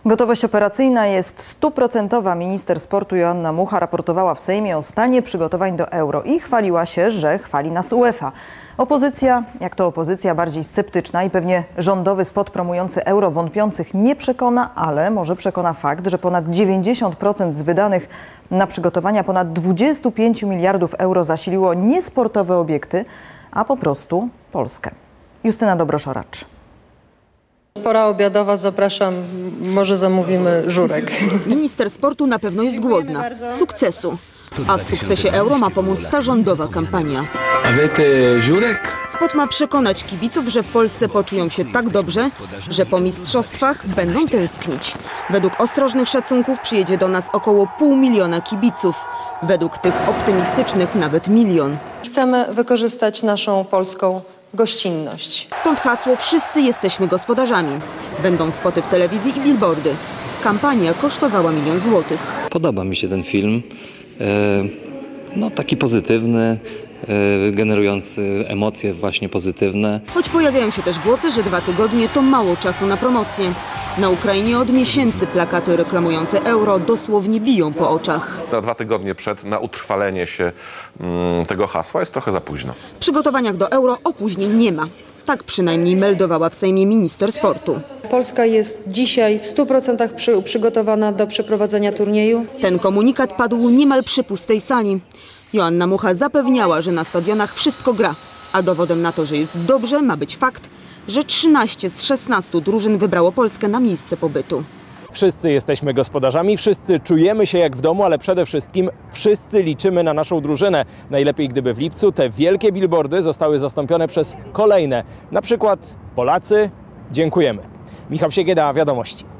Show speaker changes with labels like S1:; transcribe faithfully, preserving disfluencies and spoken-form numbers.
S1: Gotowość operacyjna jest stuprocentowa. Minister sportu Joanna Mucha raportowała w Sejmie o stanie przygotowań do Euro i chwaliła się, że chwali nas UEFA. Opozycja, jak to opozycja, bardziej sceptyczna i pewnie rządowy spot promujący Euro wątpiących nie przekona, ale może przekona fakt, że ponad dziewięćdziesiąt procent z wydanych na przygotowania ponad dwudziestu pięciu miliardów euro zasiliło nie sportowe obiekty, a po prostu Polskę. Justyna Dobrosz-Oracz.
S2: Pora obiadowa, zapraszam, może zamówimy żurek.
S3: Minister sportu na pewno jest głodna sukcesu, a w sukcesie Euro ma pomóc ta rządowa kampania.
S4: A wy żurek?
S3: Spot ma przekonać kibiców, że w Polsce poczują się tak dobrze, że po mistrzostwach będą tęsknić. Według ostrożnych szacunków przyjedzie do nas około pół miliona kibiców. Według tych optymistycznych nawet milion.
S2: Chcemy wykorzystać naszą polską gościnność.
S3: Stąd hasło "Wszyscy jesteśmy gospodarzami". Będą spoty w telewizji i billboardy. Kampania kosztowała milion złotych.
S5: Podoba mi się ten film. No, taki pozytywny, generujący emocje właśnie pozytywne.
S3: Choć pojawiają się też głosy, że dwa tygodnie to mało czasu na promocję. Na Ukrainie od miesięcy plakaty reklamujące Euro dosłownie biją po oczach.
S6: Na dwa tygodnie przed, na utrwalenie się mm, tego hasła jest trochę za późno.
S3: W przygotowaniach do Euro opóźnień nie ma. Tak przynajmniej meldowała w Sejmie minister sportu.
S2: Polska jest dzisiaj w stu procentach przy, przygotowana do przeprowadzenia turnieju.
S3: Ten komunikat padł niemal przy pustej sali. Joanna Mucha zapewniała, że na stadionach wszystko gra. A dowodem na to, że jest dobrze, ma być fakt, że trzynaście z szesnastu drużyn wybrało Polskę na miejsce pobytu.
S7: Wszyscy jesteśmy gospodarzami, wszyscy czujemy się jak w domu, ale przede wszystkim wszyscy liczymy na naszą drużynę. Najlepiej, gdyby w lipcu te wielkie billboardy zostały zastąpione przez kolejne. Na przykład Polacy, dziękujemy. Michał Siegieda, Wiadomości.